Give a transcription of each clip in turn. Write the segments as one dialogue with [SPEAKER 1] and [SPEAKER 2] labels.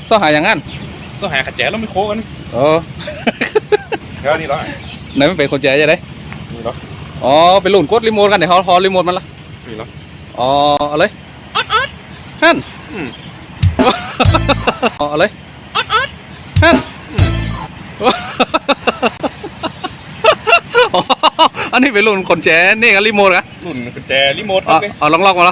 [SPEAKER 1] ซ่อหาอย่างนั้น
[SPEAKER 2] ซ่อหาขัดแจแล้วไม่โค้กัน
[SPEAKER 1] โอ้
[SPEAKER 2] แล้วนี่เหรอ
[SPEAKER 1] ไหนมันเป็นคนแจ๋จะได้
[SPEAKER 2] นี่เหรอ
[SPEAKER 1] อ๋อไปหลุนกดรีโมทกันเดี๋ยวฮอรีโมทมันละ
[SPEAKER 2] นี่เหรอ
[SPEAKER 1] อ๋ออะไรฮั่นอ๋ออะไรฮั่นอันนี้เป็นรุ่นคนแจ๋นี่กับรีโมทอะ
[SPEAKER 2] รุ่นกุญแจรีโมท
[SPEAKER 1] เอาลองมาแล้ว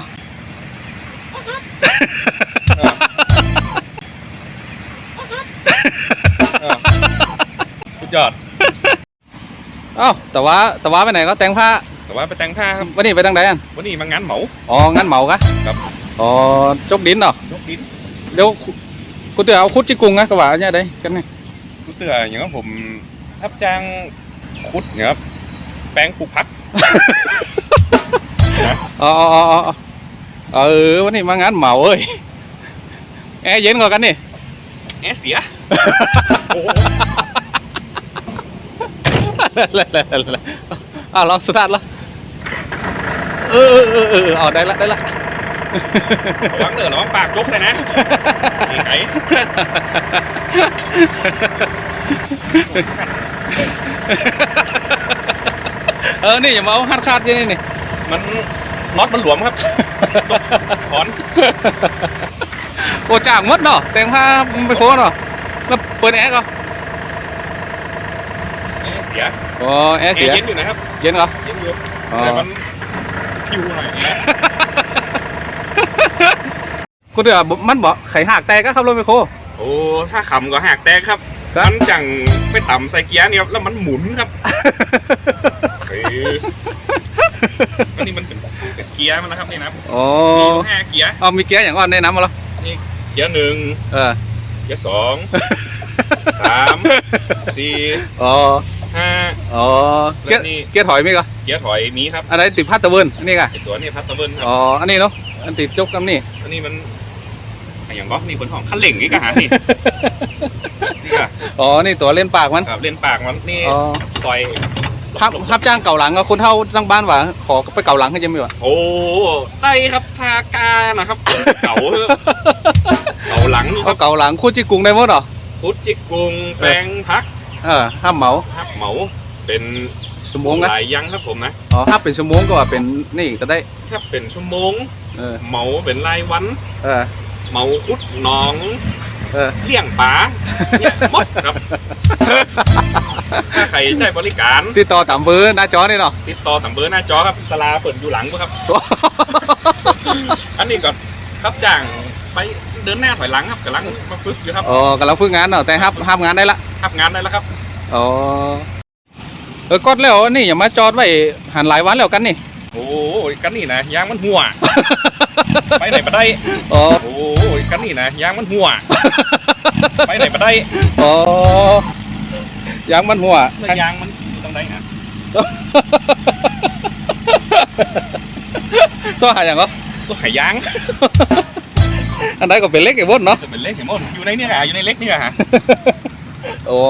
[SPEAKER 2] สุดยอด
[SPEAKER 1] แต่ว่าไปไหนก็แต่งผ้า
[SPEAKER 2] แต่ว่าไปแต่งผ้าครับ
[SPEAKER 1] วันนี้ไปทางไหน
[SPEAKER 2] วันนี้มางานเหมา
[SPEAKER 1] งานเหมากะ
[SPEAKER 2] ครับ
[SPEAKER 1] จกดินเหรอ
[SPEAKER 2] จกดิน
[SPEAKER 1] เดี๋ยวกูเตือเอาคุดจิกุงนะกระบะเนี่ยได้กันไง
[SPEAKER 2] กูเตืออย่างนั้นผมรับจ้างคุดเนี่ยครับแป้งปลูกผัก
[SPEAKER 1] วันนี้มางานเหมาเอ้ยแอร์เย็นกว่ากันนี่
[SPEAKER 2] แอร์เสีย
[SPEAKER 1] ลองสตาร์ทละได้ละ
[SPEAKER 2] ระวังเด้อระวังปากจกเลยนะไอ้
[SPEAKER 1] นี่อย่ามาเอาคาดๆนี่
[SPEAKER 2] มันน็อตมันหลวมครับถอน
[SPEAKER 1] โอ้จ่างมดเนาะแต่งผ้าไปโค้เนาะแล้วเปิดแอร์ก็
[SPEAKER 2] เสีย
[SPEAKER 1] แอร์เสีย
[SPEAKER 2] เย็นอยู่นะครับ
[SPEAKER 1] เย็นเหรอ
[SPEAKER 2] เย็นอยู่แต่มันพิวหน่อย
[SPEAKER 1] กูเดือมันบอกไข่หักแตกก็ขับรถไปโค้
[SPEAKER 2] โอ้ถ้าขำก็หักแตกครับมันจังไปต่ำใส่เกียร์เนี่ยแล้วมันหมุนครับอันนี้มันเป็นเกียร์มันนะครับนี่นะมี5เกียร์
[SPEAKER 1] มีเกียร์อย่างก่อนในน้ำมาแล้ว
[SPEAKER 2] นี่เกียร์1เกียร์2 3 4 5
[SPEAKER 1] เกียร์ถอยมีก็
[SPEAKER 2] เกียร์ถอยมีครับ
[SPEAKER 1] อะไรติดพัดตะเวินอันนี้ก็
[SPEAKER 2] ตัวนี้พัดตะเวินครับ
[SPEAKER 1] อันนี้เนาะอันติดจกกับนี่
[SPEAKER 2] อันนี้มันอย่างก็นี่บนห้องขั้นเหล่งนี่ก็หานี่
[SPEAKER 1] ก็นี่ตัวเล่นปากมัน
[SPEAKER 2] ครับเล่นปากมันนี่ซอย
[SPEAKER 1] ครับจ้างเก่าหลังก็คนเท่าตั้งบ้านว่าขอไปเก่าหลังให้ยังไม่วะ
[SPEAKER 2] โอ้ได้ครับทากานะครับเก่าหลัง
[SPEAKER 1] เก่าหลังคุดจิกุงได้หมดหรอ
[SPEAKER 2] คุดจิกุงแปลงพัก
[SPEAKER 1] ห้ามเหมา
[SPEAKER 2] เป็น
[SPEAKER 1] ชั่วโมง
[SPEAKER 2] หลายยังครับผมนะ
[SPEAKER 1] ถ้าเป็นชั่วโมงก็ว่าเป็นนี่ก็ได้
[SPEAKER 2] ถ้าเป็นชั่วโมงเหมาเป็นรายวันเหมาคุดน้องเลี้ยงป๋าเนี่ยหมดครับถ้าใครใช้บริการ
[SPEAKER 1] ติดต่อตามเบอร์หน้าจอนี่เนาะ
[SPEAKER 2] ติดต่อตามเบอร์หน้าจอครับสลาเปิดอยู่หลังครับอันนี้ก็ครับจ้างไปเดินหน้าถอยหลังครับกำลังมาฝึกอยู่ครับ
[SPEAKER 1] กำลังฝึกงานเนาะแต่ห้ามงานได้ละ
[SPEAKER 2] ครับ
[SPEAKER 1] ก็แล้วนี่อย่ามาจอดไว้หันหลายวันแล้วกันนี่
[SPEAKER 2] โอ้ยกันนี่นะยางมันหัวไปไหนมาได้โอ้ยกันนี่นะยางมันหัวไปไหนมาได้
[SPEAKER 1] ยางมันหัวย
[SPEAKER 2] างมันอยู่ตรงไหนนะ
[SPEAKER 1] ซ่อหาอย่างก็
[SPEAKER 2] ซ่อหายาง
[SPEAKER 1] อันไหนก็เป็นเล็กไอ้บดเนาะ
[SPEAKER 2] เป็นเล็กไอ้บดอยู่ในนี่ฮะอยู่ในเล็กนี่ฮะโอ้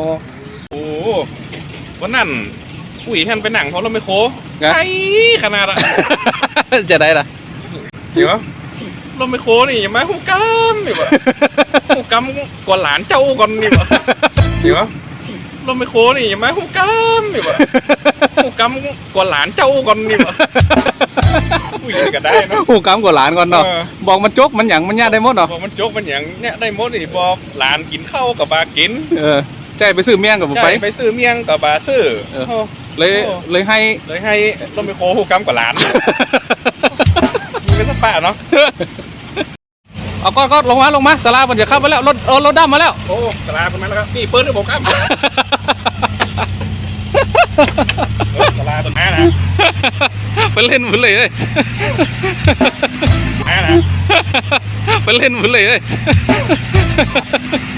[SPEAKER 2] วันนั้นอุ้ยท่านไปหนังเพราะเราไม่โค้ใช่ขนาดอะ
[SPEAKER 1] จะได้ละ
[SPEAKER 2] เดี๋ยวเราไม่โค้นี่อย่ามาหูกัมนี่วะหูกัมก่อนหลานเจ้าก่อนนี่วะเดี๋ยวเราไม่โค้นี่อย่ามาหูกัมนี่วะหูกัมก่อนหลานเจ้าก่อนนี่วะอุ้ยก็ได้นะ
[SPEAKER 1] หูกัมก่อนหลานก่อนเนาะบอกมันจกมันหยั่งมันย่าได้หมดเนาะ
[SPEAKER 2] บอกมันจกมันหยั่งเนี่ยได้หมดนี่บอกหลานกินข้าวกับบากิน
[SPEAKER 1] ใจไปซื้อเมี่ยงกับ
[SPEAKER 2] ไปซื้อเมี่ยงกับบาซื้อ
[SPEAKER 1] เลยให้
[SPEAKER 2] ต้องไปโค้หูกัมกับหลานมีเป็นสปาเนาะ
[SPEAKER 1] ก็ลงมาสลามันจะเข้ามาแล้วรถดำมาแล้ว
[SPEAKER 2] โอ้สลาเป็นมาแล้วครับนี่เปิ้ลด้วยผมครับสลาตัวน้านะ
[SPEAKER 1] ไปเล่นมือเลย
[SPEAKER 2] น้านะ
[SPEAKER 1] ไปเล่นมือเลย